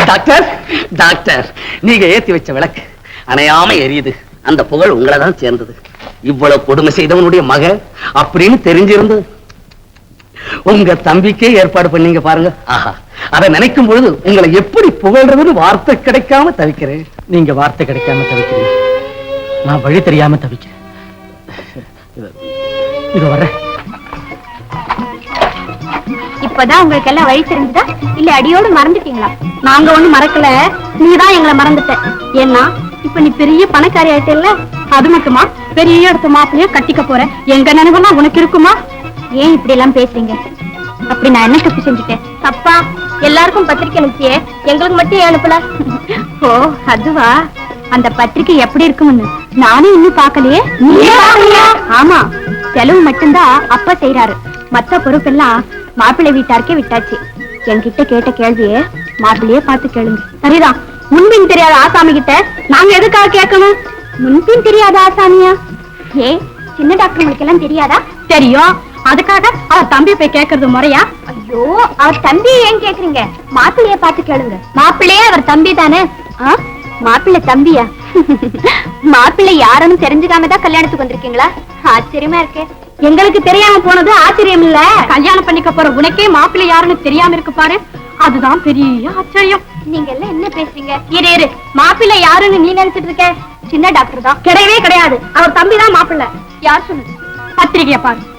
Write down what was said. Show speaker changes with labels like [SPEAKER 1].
[SPEAKER 1] Doctor doctor, நீங்க ஏத்தி வச்ச விளக்கு அணையாம எரியுது. அந்த புகழ் உங்களை தான் சேர்ந்தது. இவ்வளவு கொடுமை செய்தவனுடைய மக அப்படின்னு தெரிஞ்சிருந்து உங்க தம்பிக்கே ஏற்பாடு பண்ணீங்க பாருங்க. ஆஹா, அதை நினைக்கும் பொழுது உங்களை எப்படி புகழ்றதுன்னு வார்த்தை கிடைக்காம தவிக்கிறேன்.
[SPEAKER 2] நீங்க வார்த்தை கிடைக்காம தவிக்கிறீங்க, நான் வழி தெரியாம தவிக்கிறேன். இது வர்றேன்.
[SPEAKER 3] இப்பதான் உங்களுக்கு எல்லாம் வழி தெரிஞ்சுதா இல்ல அடியோடு மறந்துட்டீங்களா? நாங்க ஒண்ணு மறக்கல, நீதான் எங்களை மறந்துட்ட. ஏன்னா இப்ப நீ பெரிய பணக்காரி ஆயிட்டல்ல, அது மட்டுமா பெரிய இடத்து மாப்பிளைய கட்டிக்க போற. எங்க நினைவெல்லாம் உனக்கு இருக்குமா? ஏன் இப்படி எல்லாம் பேசுறீங்க? அப்படி நான் என்ன தப்பு செஞ்சுட்டேன்? தப்பா? எல்லாருக்கும் பத்திரிக்கை அனுப்பிச்சியே, எங்களுக்கு மட்டும் ஏன் அனுப்பல? ஓ அதுவா? அந்த பத்திரிக்கை எப்படி இருக்கும்னு நானும் இன்னும் பாக்கலையே. ஆமா, செலவு மட்டும்தான் அப்பா செய்யறாரு, மத்த பொறுப்பெல்லாம் மாப்பிள்ளை வீட்டாருக்கே விட்டாச்சு. என்கிட்ட கேட்ட கேள்வியே மாப்பிள்ளையே பார்த்து கேளுங்க. சரிதான், முன்பின் தெரியாத ஆசாமி கிட்ட நாங்க எதுக்காக கேட்கணும்? முன்பின் தெரியாத ஆசாமியா? ஏ சின்ன டாக்டர் எல்லாம் தெரியாதா? தெரியும், அதுக்காக அவர் தம்பி போய் கேட்கறது முறையா? ஐயோ, அவர் தம்பியை ஏன் கேக்குறீங்க? மாப்பிள்ளைய பார்த்து கேளுங்க. மாப்பிள்ளையே அவர் தம்பி தானே? மாப்பிள்ளை தம்பியா? மாப்பிள்ளை யாருன்னு தெரிஞ்சுக்காம தான் கல்யாணத்துக்கு வந்திருக்கீங்களா? ஆச்சரியமா இருக்கு. எங்களுக்கு தெரியாம போனது ஆச்சரியம் இல்ல, கல்யாணம் பண்ணிக்க போற உனக்கே மாப்பிள்ளை யாருன்னு தெரியாம இருக்கு பாரு, அதுதான் பெரிய ஆச்சரியம். நீங்க எல்லாம் என்ன பேசுறீங்க? இரு இரு, மாப்பிள்ளை யாருன்னு நீ நினைச்சிட்டு இருக்க? சின்ன டாக்டர் தான். கிடையவே கிடையாது, அவர் தம்பி தான் மாப்பிள்ளை. யார் சொன்னது? பத்திரிகைய பாரு.